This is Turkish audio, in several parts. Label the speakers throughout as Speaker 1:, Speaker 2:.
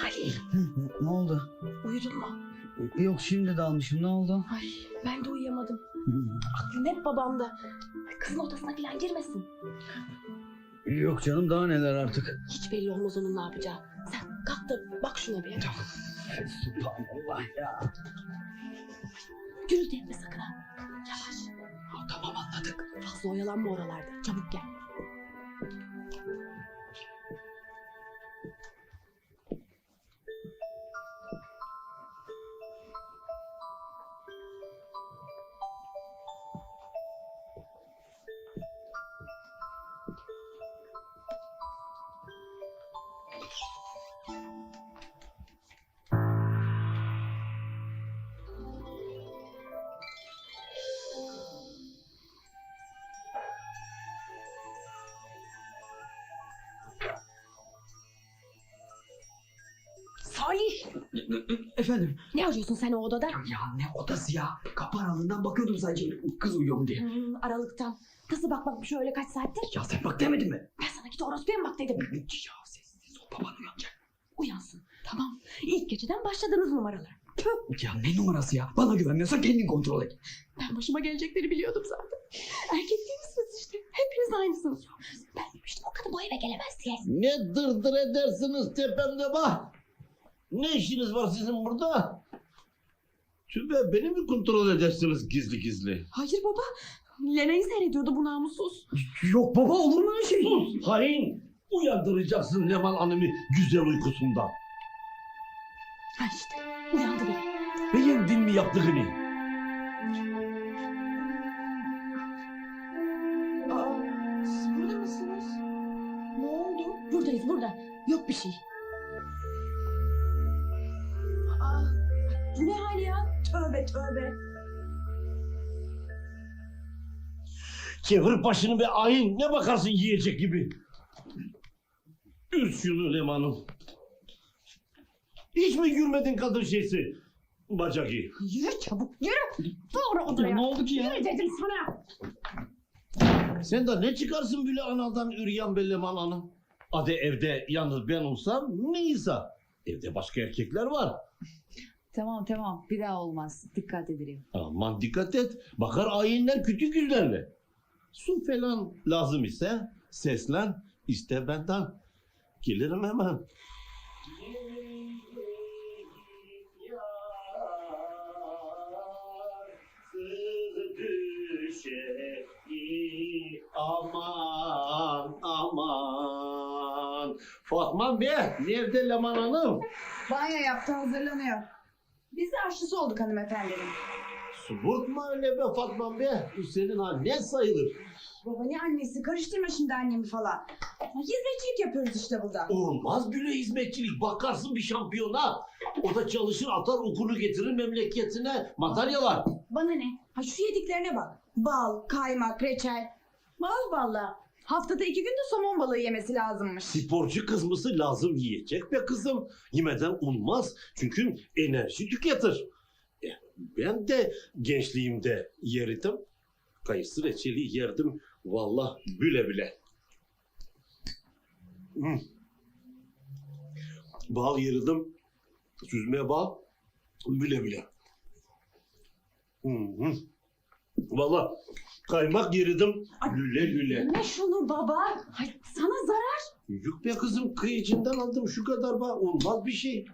Speaker 1: Halil,
Speaker 2: Ne oldu?
Speaker 1: uyudun mu?
Speaker 2: Yok şimdi dalmışım, ne oldu?
Speaker 1: Ay, ben de uyuyamadım. Aklım hep babamda. Kızın odasına falan girmesin.
Speaker 2: Yok canım, daha neler artık.
Speaker 1: Hiç belli olmaz onun ne yapacağı. Sen kalk da bak şuna bir.
Speaker 2: Subhanallah ya.
Speaker 1: Gürültü etme sakın ha. Yavaş. Ha, tamam anladık. Fazla oyalanma oralarda. Çabuk gel. Salih!
Speaker 2: Efendim?
Speaker 1: Ne arıyorsun sen o odada?
Speaker 2: Ya ne odası ya? Kapı aralığından bakıyordum sadece kız uyuyor mu diye.
Speaker 1: Aralıktan. Nasıl bakmakmış öyle kaç saattir?
Speaker 2: Ya sen bak demedin mi?
Speaker 1: Ben sana git orospuya mı bak dedim.
Speaker 2: Ya sessiz ol, baban uyanacak.
Speaker 1: Uyansın. Tamam. İlk geceden başladınız numaralara. Tüh.
Speaker 2: Ya ne numarası ya? Bana güvenmiyorsan kendin kontrol et.
Speaker 1: Ben başıma gelecekleri biliyordum zaten. Erkek değil misiniz işte? Hepiniz aynısınız. Ben demiştim o kadın bu eve gelemez diye.
Speaker 3: Ne dırdır edersiniz tepemde bak. Ne işiniz var sizin burada? Tübe beni mi kontrol edersiniz gizli gizli?
Speaker 1: Hayır baba. Lena'yı seyrediyordu bu namussuz.
Speaker 2: Yok baba, olur mu öyle şey?
Speaker 3: Sus hain! Uyandıracaksın Leman Hanım'ı güzel uykusundan.
Speaker 1: Ha işte uyandı bile.
Speaker 3: Beğendin mi yaptığını?
Speaker 1: Aa, siz burada mısınız? Ne oldu? Buradayız burada. Yok bir şey. Aa, bu ne hal ya? Tövbe tövbe.
Speaker 3: Çevir başını be hain! Ne bakarsın yiyecek gibi? Ür şunu Leman'ım. Hiç mi yürümedin kadın şeysi? Bacaki.
Speaker 1: Yürü çabuk yürü. Doğru odaya.
Speaker 2: Ya ne oldu ki ya?
Speaker 1: Yürü dedim sana.
Speaker 3: Sen de ne çıkarsın böyle anadan üryan be Leman Hanım? Hadi evde yalnız ben olsam neyse. Evde başka erkekler var.
Speaker 4: Tamam bir daha olmaz. Dikkat ederim.
Speaker 3: Aman dikkat et. Bakar ayinler kötü yüzlerle. Su falan lazım ise seslen iste benden. Gelirim hemen. Aman aman. Fatma Bey nerede Leman Hanım?
Speaker 4: Banyo yaptı, hazırlanıyor. Biz de aşçısı olduk hanımefendinin.
Speaker 3: Subutma öyle be Fatma Bey. Bu senin annen sayılır.
Speaker 4: Baba ne annesi? Karıştırma şimdi annemi falan. Hizmetçilik yapıyoruz işte burada.
Speaker 3: Olmaz böyle hizmetçilik. Bakarsın bir şampiyona. O da çalışır atar okulu getirir memleketine. Madalyalar.
Speaker 4: Bana ne? Ha şu yediklerine bak. Bal, kaymak, reçel. Bal valla. Haftada 2 gün de somon balığı yemesi lazımmış.
Speaker 3: Sporcu kız mısı lazım yiyecek be kızım. Yemeden olmaz. Çünkü enerji tüketir. Ben de gençliğimde yerdim. Kayısı reçeli yerdim. Vallahi büle büle. Bal yerirdim. Süzme bal. Büle büle. Vallahi kaymak yerirdim. Lüle lüle.
Speaker 4: Ne şunu baba? Ay, sana zarar.
Speaker 3: Yok be kızım kıyıcından aldım şu kadar bak. Olmaz bir şey.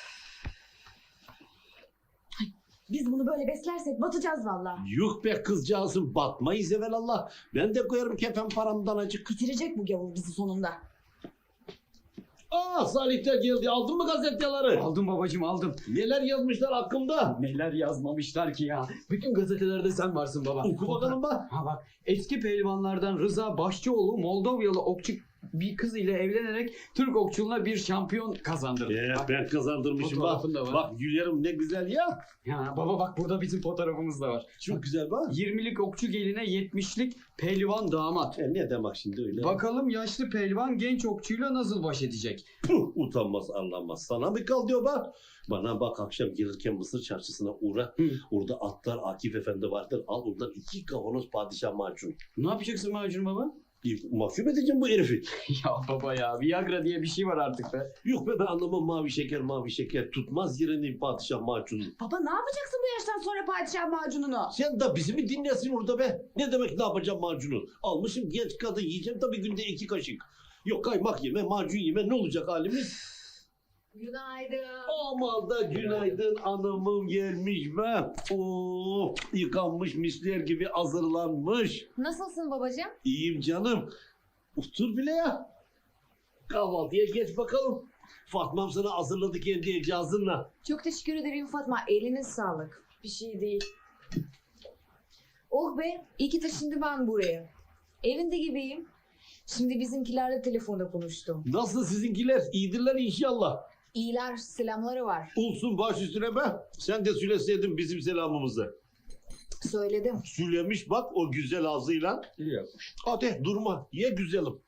Speaker 4: Biz bunu böyle beslersek batacağız valla.
Speaker 3: Yuh be kızcağızım batmayız evelallah. Ben de koyarım kefen paramdan acık.
Speaker 4: Bitirecek bu gavur bizi sonunda.
Speaker 3: Aa Salihler geldi. Aldın mı gazeteleri?
Speaker 2: Aldım babacığım, aldım.
Speaker 3: Neler yazmışlar hakkımda?
Speaker 2: Neler yazmamışlar ki ya. Bütün gazetelerde sen varsın baba.
Speaker 3: Oku bakalım bak.
Speaker 2: Ha bak, eski pehlivanlardan Rıza Başçıoğlu Moldovyalı okçu bir kız ile evlenerek Türk okçuluğuna bir şampiyon kazandırdı. Bak,
Speaker 3: Ben kazandırmışım bak.
Speaker 2: fotoğrafın da var.
Speaker 3: Bak Gülerim ne güzel ya.
Speaker 2: ya baba bak, burada bizim fotoğrafımız da var.
Speaker 3: Çok güzel bak.
Speaker 2: 20'lik okçu geline 70'lik pehlivan damat.
Speaker 3: Ne demek şimdi öyle?
Speaker 2: Bakalım yaşlı pehlivan genç okçuyla nasıl baş edecek?
Speaker 3: Utanmaz anlamaz. Sana mı kal diyor bak. Bana bak akşam gelirken Mısır çarşısına uğra.
Speaker 2: Hı.
Speaker 3: Orada atlar Akif Efendi vardır. Al oradan 2 kavanoz padişah macun.
Speaker 2: Ne yapacaksın macun baba?
Speaker 3: Mahcup edeceğim bu herifi.
Speaker 2: Ya baba ya, Viagra diye bir şey var artık be.
Speaker 3: Yok be, ben anlamam mavi şeker. Tutmaz yerini padişah macunu.
Speaker 4: Baba ne yapacaksın bu yaştan sonra padişah macununu?
Speaker 3: Sen de bizi mi dinlesin orada be? Ne demek ne yapacağım macunu? Almışım genç kadın, yiyeceğim tabii günde 2 kaşık. Yok kaymak yeme, macun yeme, ne olacak halimiz?
Speaker 1: Günaydın.
Speaker 3: Aman da günaydın, anamım gelmiş be. Oo, yıkanmış misler gibi hazırlanmış.
Speaker 1: Nasılsın babacığım?
Speaker 3: İyiyim canım. Otur bile ya. Kahvaltıya geç bakalım. Fatma'm sana hazırladı kendi el cihazınla.
Speaker 5: Çok teşekkür ederim Fatma. Eliniz sağlık. Bir şey değil. Oh be, iyi ki taşındım ben buraya. Evinde gibiyim. Şimdi bizimkilerle telefonda konuştum.
Speaker 3: Nasıl sizinkiler? İyidirler inşallah.
Speaker 5: İyiler, selamları var.
Speaker 3: Olsun baş üstüne be. Sen de söyleseydin bizim selamımızı.
Speaker 5: Söyledim.
Speaker 3: Söylemiş bak o güzel ağzıyla.
Speaker 2: İyi yapmış.
Speaker 3: Hadi durma. Ye güzelim.